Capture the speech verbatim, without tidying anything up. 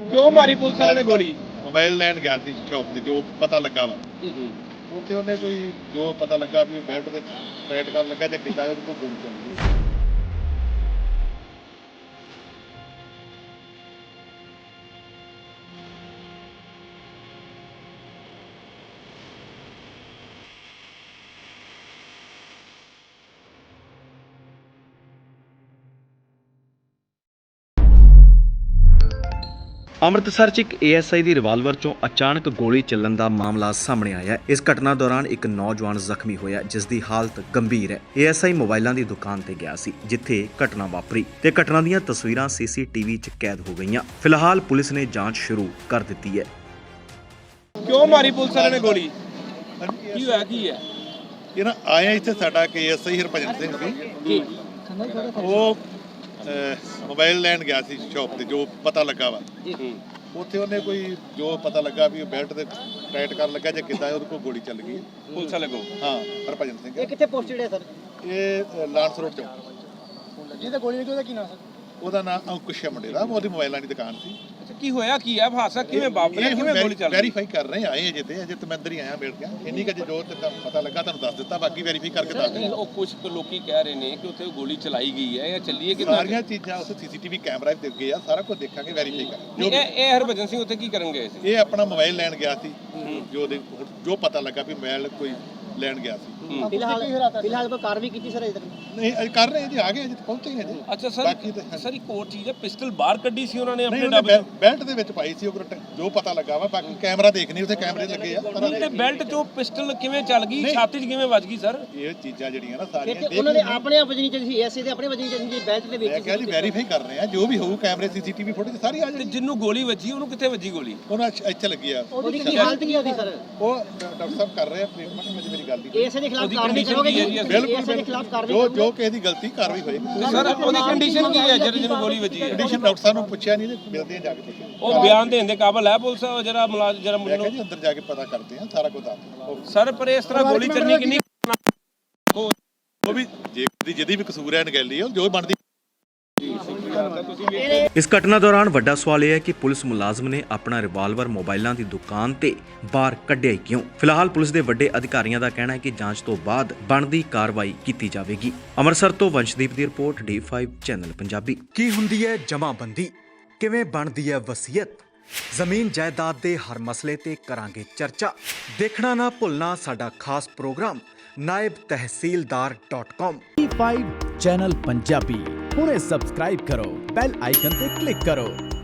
क्यों मारी पुलिस वाले ने गोली? मोबाइल लैन गया ਸੀ ਸ਼ੌਪ ਤੇ ਜੋ ਪਤਾ ਲੱਗਾ ਵਾ ਉੱਥੇ ਉਹਨੇ ਕੋਈ ਜੋ ਪਤਾ ਲੱਗਾ ਵੀ ਬੈਲਟ ਤੇ ਟਾਈਟ ਕਰਨ ਲੱਗਾ ਤੇ ਕਿਤਾ ਉਹਦੇ ਕੋਲ ਗੋਲੀ ਚੱਲ ਗਈ। ਅੰਮ੍ਰਿਤਸਰ 'ਚ ਇੱਕ A S I the revolver 'ਚੋਂ ਅਚਾਨਕ ਗੋਲੀ ਚੱਲਣ ਦਾ ਮਾਮਲਾ ਸਾਹਮਣੇ ਆਇਆ ਹੈ। ਇਸ ਘਟਨਾ ਦੌਰਾਨ ਇੱਕ ਨੌਜਵਾਨ ਜ਼ਖਮੀ ਹੋਇਆ ਜਿਸ ਦੀ ਹਾਲਤ ਗੰਭੀਰ ਹੈ। ਏ ਐਸ ਆਈ ਮੋਬਾਈਲਾਂ ਦੀ ਦੁਕਾਨ ਤੇ ਗਿਆ ਸੀ ਜਿੱਥੇ ਘਟਨਾ ਵਾਪਰੀ ਤੇ ਘਟਨਾ ਦੀਆਂ ਤਸਵੀਰਾਂ ਸੀ ਸੀ ਟੀ ਵੀ 'ਚ ਕੈਦ ਹੋ ਗਈਆਂ। ਫਿਲਹਾਲ ਪੁਲਿਸ ਨੇ ਜਾਂਚ ਸ਼ੁਰੂ ਕਰ ਦਿੱਤੀ ਹੈ। क्यों मारी पुलिस वाले ने गोली? की होया की है? ਇਹ ਨਾ ਆਇਆ ਇੱਥੇ ਸਾਡਾ ਕੇ ਐਸ ਆਈ ਹਰਭਜਨ ਸਿੰਘ ਸੀ ਉਹ ਮੋਬਾਈਲ ਲੈਣ ਗਿਆ ਸੀ ਸ਼ੌਪ ਤੇ ਜੋ ਪਤਾ ਲੱਗਾ ਵਾ ਉੱਥੇ ਉਹਨੇ ਕੋਈ ਜੋ ਪਤਾ ਲੱਗਾ ਵੀ ਉਹ ਬੈਲਟ ਤੇ ਟਾਈਟ ਕਰਨ ਲੱਗਾ ਜਾਂ ਕਿੱਦਾਂ ਉਹਦੇ ਕੋਲ ਗੋਲੀ ਚੱਲ ਗਈ पुलिस वाले को? ਹਾਂ ਹਰਭਜਨ ਸਿੰਘ ਇਹ ਕਿੱਥੇ ਪੋਸਟਡ ਹੈ ਸਰ? ਇਹ ਲਾਂਸ ਰੋਡ ਚੌਂਕ ਜਿਹਦੇ ਗੋਲੀ ਲੱਗੀ ਉਹਦਾ ਕੀ ਨਾਮ ਸਰ? ਉਹਦਾ ਨਾਮ ਅੰਕੁਸ਼ ਹੈ ਮੁੰਡੇ ਦਾ ਉਹਦੀ ਮੋਬਾਈਲਾਂ ਦੀ ਦੁਕਾਨ ਸੀ। अच्छा की होया की है? हादसा किवें वापरिया? किवें गोली चल गई? ਵੈਰੀਫਾਈ ਕਰ ਰਹੇ ਆਏ ਅਜੇ ਤੇ ਅਜੇ ਤੇ ਮੈਂ ਅੰਦਰ ਹੀ ਆਇਆ ਬੈਠ ਗਿਆ ਇੰਨੀ ਕੁ ਜੋ ਤੇ ਪਤਾ ਲੱਗਾ ਤੁਹਾਨੂੰ ਦੱਸ ਦਿੱਤਾ ਬਾਕੀ ਵੈਰੀਫਾਈ ਕਰਕੇ ਦੱਸ ਨਹੀਂ, ਦਿੰਦਾ। ਉਹ ਕੁਝ ਲੋਕੀ ਕਹਿ ਰਹੇ ਨੇ ਕਿ ਉੱਥੇ ਗੋਲੀ ਚਲਾਈ ਗਈ ਹੈ ਜਾਂ ਚੱਲੀ ਹੈ ਕਿ ਸਾਰੀਆਂ ਚੀਜ਼ਾਂ ਉਸ ਸੀਸੀਟੀਵੀ ਕੈਮਰਾ ਵੀ ਦਿਖ ਗਏ ਆ ਸਾਰਾ ਕੁਝ ਦੇਖਾਂਗੇ ਵੈਰੀਫਾਈ ਕਰ ਜੋ ਇਹ ਇਹ ਹਰਭਜਨ ਸਿੰਘ ਉੱਥੇ ਕੀ ਕਰਨ ਗਏ ਸੀ? ਇਹ ਆਪਣਾ ਮੋਬਾਈਲ ਲੈਣ ਗਿਆ ਸੀ ਜੋ ਉਹਦੇ ਜੋ ਪਤਾ ਲੱਗਾ ਵੀ ਮੋਬਾਈਲ ਕੋਈ ਲੈਣ ਗਿਆ ਸੀ। ਫਿਲਹਾਲ ਫਿਲਹਾਲ ਕੋਈ ਕਾਰਵਾਈ ਕੀਤੀ ਸਰ ਅਜੇ ਤੱਕ? ਨਹੀਂ ਅਜੇ ਕਰ ਰਹੇ ਜੀ ਆ ਗਏ ਅਜੇ ਪਹੁੰਚੇ ਹੀ ਅਜੇ ਅੱਛਾ ਸਰ, ਬਾਕੀ ਤੇ ਸਰ ਇੱਕ ਹੋਰ ਚੀਜ਼ ਹੈ, ਪਿਸਟਲ ਬਾਹਰ ਕੱਢੀ ਸੀ ਉਹਨਾਂ ਨੇ ਨਹੀਂ ਆਪਣੇ ਉਹਨੇ ਡੱਬ ਬੈ- ਬੈਲਟ ਦੇ ਵਿੱਚ ਪਾਈ ਸੀ ਉਹ ਕਰਟ- ਜੋ ਪਤਾ ਲੱਗਾ ਵਾ ਬਾਕੀ ਕੈਮਰਾ ਦੇਖਣੀ ਉੱਥੇ ਕੈਮਰੇ ਲੱਗੇ ਆ ਸਾਰਾ ਤੇ ਬੈਲਟ ਚੋਂ ਪਿਸਟਲ ਕਿਵੇਂ ਚੱਲ ਗਈ, ਨਹੀਂ। ਛਾਤੀ 'ਚ ਕਿਵੇਂ ਵੱਜ ਗਈ ਸਰ? ਇਹ ਚੀਜ਼ਾਂ ਜਿਹੜੀਆਂ ਨਾ ਸਾਰੀਆਂ ਇੱਥੇ ਦੇਖ ਉਹਨਾਂ ਨੇ ਲਈਆਂ। ਆਪਣੇ ਆਪ ਵਜਣੀ ਚਾਹੀਦੀ ਸੀ ਐਸਏ ਦੇ ਆਪਣੇ ਵਜਣੀ ਚਾਹੀਦੀ ਸੀ ਬੈਲਟ ਦੇ ਮੈਂ ਵਿੱਚ ਕਿਹਾ ਜੀ ਵੈਰੀਫਾਈ ਕਰ ਰਹੇ ਆ ਜੋ ਵੀ ਹੋਊ ਕੈਮਰੇ ਸੀਸੀਟੀਵੀ ਫੁਟੇਜ ਸਾਰੀ ਆ ਤੇ ਜਾਣੀ ਜਿੰਨੂੰ ਗੋਲੀ ਵੱਜੀ ਉਹਨੂੰ ਕਿੱਥੇ ਵੱਜੀ ਗੋਲੀ? ਉਹਨਾਂ ਇੱਥੇ- ਇੱਥੇ ਲੱਗੀ ਆ ਉਹਦੀ ਕੀ ਹਾਲਤ ਕੀ ਉਹਦੀ ਸਰ? ਉਹ ਡਾਕਟਰ ਸਾਹਿਬ ਕਰ ਰਹੇ ਆ ਟ੍ਰੀਟਮੈਂਟ ਵਿੱਚ ਮੇਰੀ ਗੱਲ ਨਹੀਂ ਐਸਏ ਦੇ ਖਿਲਾਫ ਉਹਦੀ ਕਾਰਵਾਈ condition ਕਰੋਗੇ ਕੀ ਹੈ ਜੀ? ਜੀ? ਬਿਲਕੁਲ ਐਸਏ ਦੇ ਖਿਲਾਫ ਕਾਰਵਾਈ ਜੋ ਕਰੋਗੇ? ਜੋ ਕਿਸੇ ਦੀ ਗਲਤੀ ਕਾਰਵਾਈ ਹੋਏਗੀ ਤੇ ਸਰ ਉਹਦੀ ਕੰਡੀਸ਼ਨ ਕੀ ਹੈ ਜਿਹੜਾ ਜਿਹਨੂੰ ਗੋਲੀ ਵੱਜੀ ਹੈ? ਕੰਡੀਸ਼ਨ ਡਾਕਟਰ ਸਾਹਿਬ ਨੂੰ ਪੁੱਛਿਆ ਨਹੀਂ ਤੇ ਮਿਲਦੇ ਆ ਜਾ ਕੇ ਤੁਸੀਂ ਉਹ ਬਿਆਨ ਦੇਣ ਦੇ ਕਾਬਲ ਹੈ ਪੁਲਿਸ ਜਿਹੜਾ ਮੁਲਾਜ਼ਮ ਜਿਹੜਾ ਮੈਂ ਕਿਹਾ ਮੁੰਡਾ? ਜੀ ਅੰਦਰ ਜਾ ਕੇ ਪਤਾ ਕਰਦੇ ਆ ਸਾਰਾ ਕੁਝ ਦੱਸ ਸਰ ਪਰ ਇਸ ਤਰ੍ਹਾਂ ਗੋਲੀ ਚੱਲਣੀ ਕਿੰਨੀ ਉਹ ਵੀ ਜੇ ਦੀ ਜਿਹਦੀ ਵੀ ਕਸੂਰ ਹੈ ਨਗੈਲੀ ਉਹ ਜੋ ਬਣਦੀ। ਇਸ ਘਟਨਾ ਦੌਰਾਨ ਵੱਡਾ ਸਵਾਲ ਇਹ ਹੈ ਕਿ ਪੁਲਿਸ ਮੁਲਾਜ਼ਮ ਨੇ ਆਪਣਾ ਰਿਵਾਲਵਰ ਮੋਬਾਈਲਾਂ ਦੀ ਦੁਕਾਨ ਤੇ ਬਾਹਰ ਕੱਢਿਆ ਹੀ ਕਿਉਂ? ਫਿਲਹਾਲ ਪੁਲਿਸ ਦੇ ਵੱਡੇ ਅਧਿਕਾਰੀਆਂ ਦਾ ਕਹਿਣਾ ਹੈ ਕਿ ਜਾਂਚ ਤੋਂ ਬਾਅਦ ਬਣਦੀ ਕਾਰਵਾਈ ਕੀਤੀ ਜਾਵੇਗੀ। ਅੰਮ੍ਰਿਤਸਰ ਤੋਂ ਵੰਸ਼ਦੀਪ ਦੀ report D five channel Punjabi. ਕੀ ਹੁੰਦੀ ਹੈ ਜਮਾਬੰਦੀ? ਕਿਵੇਂ ਬਣਦੀ ਹੈ ਵਸੀਅਤ? ਜ਼ਮੀਨ ਜਾਇਦਾਦ ਦੇ ਹਰ ਮਸਲੇ ਤੇ ਕਰਾਂਗੇ ਚਰਚਾ। ਦੇਖਣਾ ਨਾ ਭੁੱਲਣਾ ਸਾਡਾ ਖਾਸ ਪ੍ਰੋਗਰਾਮ ਨਾਇਬ ਤਹਿਸੀਲਦਾਰ dot com. D five channel Punjabi ਹੁਣੇ ਸਬਸਕ੍ਰਾਈਬ ਕਰੋ, ਬੈਲ ਆਈਕਨ ਤੇ ਕਲਿੱਕ ਕਰੋ।